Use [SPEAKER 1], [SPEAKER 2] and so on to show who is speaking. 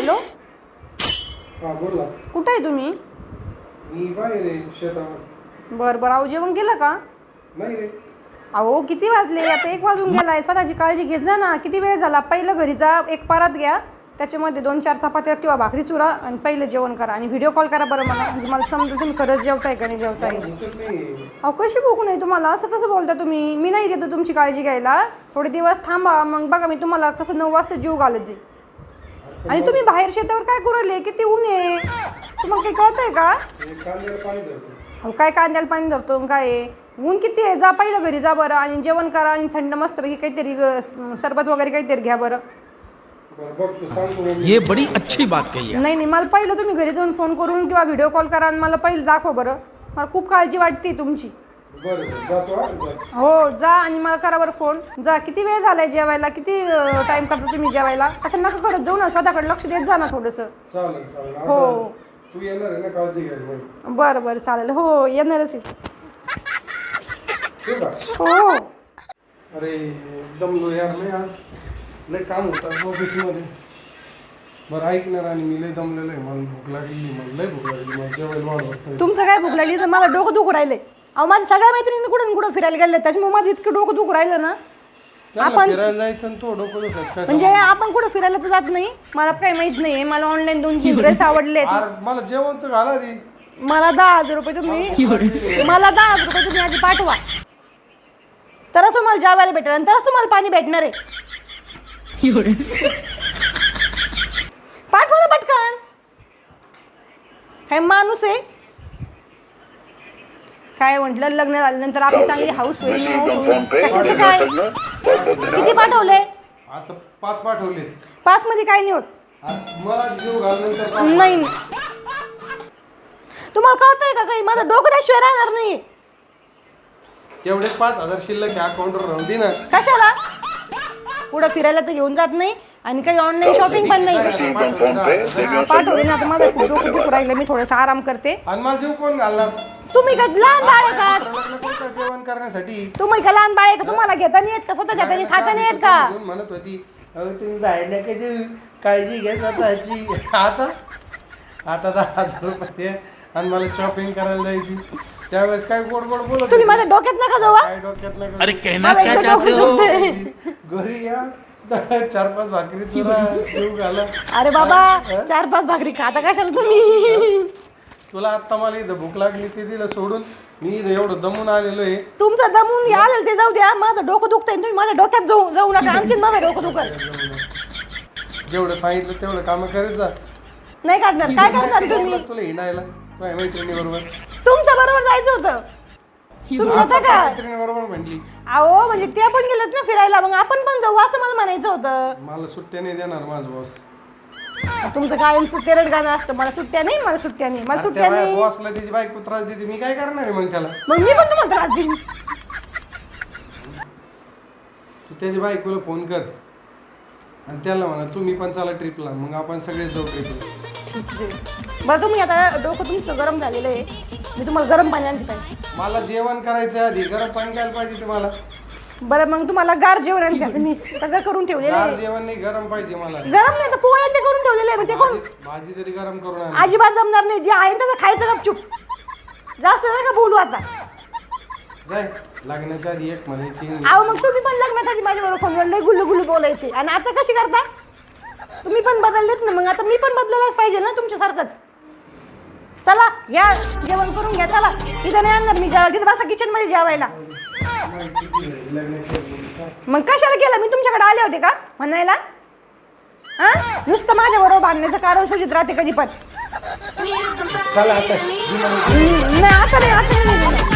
[SPEAKER 1] Hello,
[SPEAKER 2] हा बोला.
[SPEAKER 1] कुठे आहे तुम्ही?
[SPEAKER 2] मी बाहेर आहे शेतावर.
[SPEAKER 1] बरं बरं, अहो जेवण केलं का?
[SPEAKER 2] नाही रे.
[SPEAKER 1] अहो किती वाजले, आता 1 वाजून गेलाय. स्वतःची काळजी घेत जा ना. किती वेळ झाला. पहिलं घरी जा, एक परात घ्या, त्याच्यामध्ये 2-4 चपात्या किंवा भाकरी चुरा आणि पहिलं जेवण करा आणि व्हिडिओ कॉल करा बरं मला, म्हणजे मला समजेल तुम्ही खरंच जेवताय का नाही जेवताय. अहो कशी भूक नाही तुम्हाला, असं कसं बोलता तुम्ही? मी नाही देतो तुमची काळजी घ्यायला. थोडे दिवस थांबा, मग बघा मी तुम्हाला कसं 9 वाजता जीव घालत जाईल. आणि तुम्ही बाहेर शेतावर काय करू राहिले? किती ऊन आहे, तुम्हाला काही कळतंय का? अहो काय कांद्याला पाणी धरतो काय आहे? ऊन किती आहे. जा पहिलं घरी जा बरं आणि जेवण करा आणि थंड मस्तपैकी काहीतरी सरबत वगैरे काहीतरी घ्या बरं.
[SPEAKER 3] ये बड़ी अच्छी बात कही है.
[SPEAKER 1] नाही नाही, मला पहिलं तुम्ही घरी जाऊन फोन करून किंवा व्हिडिओ कॉल करा आणि मला पहिलं दाखवा बरं. मला खूप काळजी वाटते तुमची. हो जा आणि मला करा बरं फोन. जा. किती वेळ झालाय जेवायला, किती टाइम करता तुम्ही जेवायला? असं नका करत जाऊ ना, स्वतःकडे लक्ष देत जा ना थोडंसं. हो
[SPEAKER 2] तू येणार आहे ना काळजी घ्यायला?
[SPEAKER 1] बरं बरं चालेल. हो येणारच आहे. हो.
[SPEAKER 2] अरे दमलो यार लय आज. लय काम होतं ऑफिसमध्ये. बरं ऐकणार आणि मी लय दमलेलो आहे. मला भूक लागली, मला लय भूक लागली. मला जेवायला वाढ.
[SPEAKER 1] तुमचं काय भूक लागली तर मला डोकं दुखू राहिले. अहो माझ्या सगळ्या मैत्रिणी कुठून कुठं फिरायला गेले, त्याच्यामुळे माझं इतकं डोकं दुखू राहिलं ना.
[SPEAKER 2] आपण फिरायला जायचं आणि तो डोकं दुखायचं
[SPEAKER 1] म्हणजे आपण कुठं फिरायला तर जात नाही. मला काही माहित नाही. मला ऑनलाईन 2-3 ड्रेस आवडले.
[SPEAKER 2] मला जेवण तर घाला दे.
[SPEAKER 1] मला 10,000 रुपये तुम्ही मला 10,000 रुपये तुम्ही आधी पाठवा, तरच तुम्हाला जेवायला भेटेल आणि तरच तुम्हाला पाणी भेटणार आहे. पाठवा ना पटकन. काय माणूस आहे काय? म्हटलं लग्न झाल्यानंतर आपली चांगली हाऊस होईल. कशाचं काय? किती पाठवले?
[SPEAKER 2] आता 5 पाठवले.
[SPEAKER 1] 5 मध्ये काय नाही होत.
[SPEAKER 2] मला जीव घालण्यानंतर
[SPEAKER 1] नाही तुम्हाला कळतंय का काही? माझं डोकं त्याशिवाय राहणार नाही.
[SPEAKER 2] तेवढे 5,000 शिल्लक अकाउंटवर राहून दे ना.
[SPEAKER 1] कशाला? पुढं फिरायला तर घेऊन जात नाही आणि काही ऑनलाईन शॉपिंग पण नाही. पाठवले ना. आता माझं खूप डोकं दुखू राहिलं. मी थोडंसं आराम करते.
[SPEAKER 2] आणि मला जीव कोण घालणार?
[SPEAKER 1] तुम्ही का लहान बाळ आहे का?
[SPEAKER 2] लग्न करू का जेवण करण्यासाठी?
[SPEAKER 1] तुम्ही का लहान बाळ आहे का? तुम्हाला घेता नाही येत का? स्वतःच्या हाताने खाता नाही येत का?
[SPEAKER 2] म्हणत होती अहो तुम्ही बाहेर नका जाऊ, काळजी घ्या स्वतःची. आता 10,000 रुपये आणि मला शॉपिंग करायला जायची. त्यावेळेस काय गोड गोड बोलत
[SPEAKER 1] तुम्ही माझ्या डोक्यात नका जाऊ.
[SPEAKER 2] काय डोक्यात नका.
[SPEAKER 3] अरे कहना क्या चाहते हो?
[SPEAKER 2] घरी या 4-5 भाकरी चुरा जीव घाला.
[SPEAKER 1] अरे बाबा 4-5 भाकरी खाता कशाला तुम्ही?
[SPEAKER 2] तुला आता मला इथं भूक लागली ते दिलं सोडून. मी इथं एवढं दमून आलेलो आहे.
[SPEAKER 1] तुमचं दमून आलं ते जाऊ द्या. माझं डोकं दुखतंय. तुम्ही माझ्या डोक्यात जाऊ नका. आणखीन माझं डोकं दुखत.
[SPEAKER 2] जेवढं सांगितलं तेवढं काम करत जा.
[SPEAKER 1] नाही काढणार. काय करणार तुम्ही?
[SPEAKER 2] तुला हिंडायला तुझ्या मैत्रिणी बरोबर.
[SPEAKER 1] तुमच्या बरोबर जायचं होतं. तुम्ही जाता का?
[SPEAKER 2] मैत्रिणी बरोबर म्हटली.
[SPEAKER 1] अहो म्हणजे ते पण गेलेत ना फिरायला, मग आपण पण जाऊ असं मला म्हणायचं होतं.
[SPEAKER 2] मला सुट्ट्या नाही देणार माझा बॉस.
[SPEAKER 1] तुमचं कायमचं तेरड गाणं असतं. मला सुट्ट्या नाही, मला सुट्ट्या नाही, मला सुट्ट्या नाही.
[SPEAKER 2] बॉसला त्याची बायको त्रास देते, मी काय करणार आहे मग त्याला?
[SPEAKER 1] मग मी पण तुम्हाला त्रास देईन.
[SPEAKER 2] तू त्याच्या बायकोला फोन कर आणि त्याला म्हणा तुम्ही पण चला ट्रिपला, मग आपण सगळे जाऊ ट्रिपला.
[SPEAKER 1] बरं तुम्ही आता डोकं तुमचं गरम झालेलं आहे. मी तुम्हाला गरम पाणी आणते काय?
[SPEAKER 2] मला जेवण करायचं आधी गरम पाणी काय पाहिजे तुम्हाला?
[SPEAKER 1] बरं मग तुम्हाला गार जेवण आणते. मी सगळं करून ठेवलेलं
[SPEAKER 2] गार
[SPEAKER 1] आहे.
[SPEAKER 2] जेवण नाही गरम पाहिजे मला.
[SPEAKER 1] गरम नाही तर पोळ्या ते करून ठेवलेलं आहे. ते कोण
[SPEAKER 2] भाजी तरी गरम करून आण.
[SPEAKER 1] अजिबात जमणार नाही. जे आहे तसं खायचं गपचूप. जास्त नका बोलू आता.
[SPEAKER 2] जाय लग्नाच्या आधी एक म्हणायची.
[SPEAKER 1] अहो मग तुम्ही पण लग्नाच्या आधी माझ्याबरोबर फोनवर लय गुल्लू गुल्लू बोलायचे आणि आता कशी करता? तुम्ही पण बदललेत ना. मग आता मी पण बदलायलाच पाहिजे ना तुमच्यासारखंच. चला या जेवण करून घ्या. चला तिथं नाही आणणार मी जेवायला. तिथं बसा किचन मध्ये जेवायला. मग कशाला केलं? मी तुमच्याकडे आले होते का म्हणायला? हा नुसतं माझ्या बरोबर बांधण्याचं कारण शोधित राहते कधी पण.
[SPEAKER 2] चला आता
[SPEAKER 1] नाही आता नाही.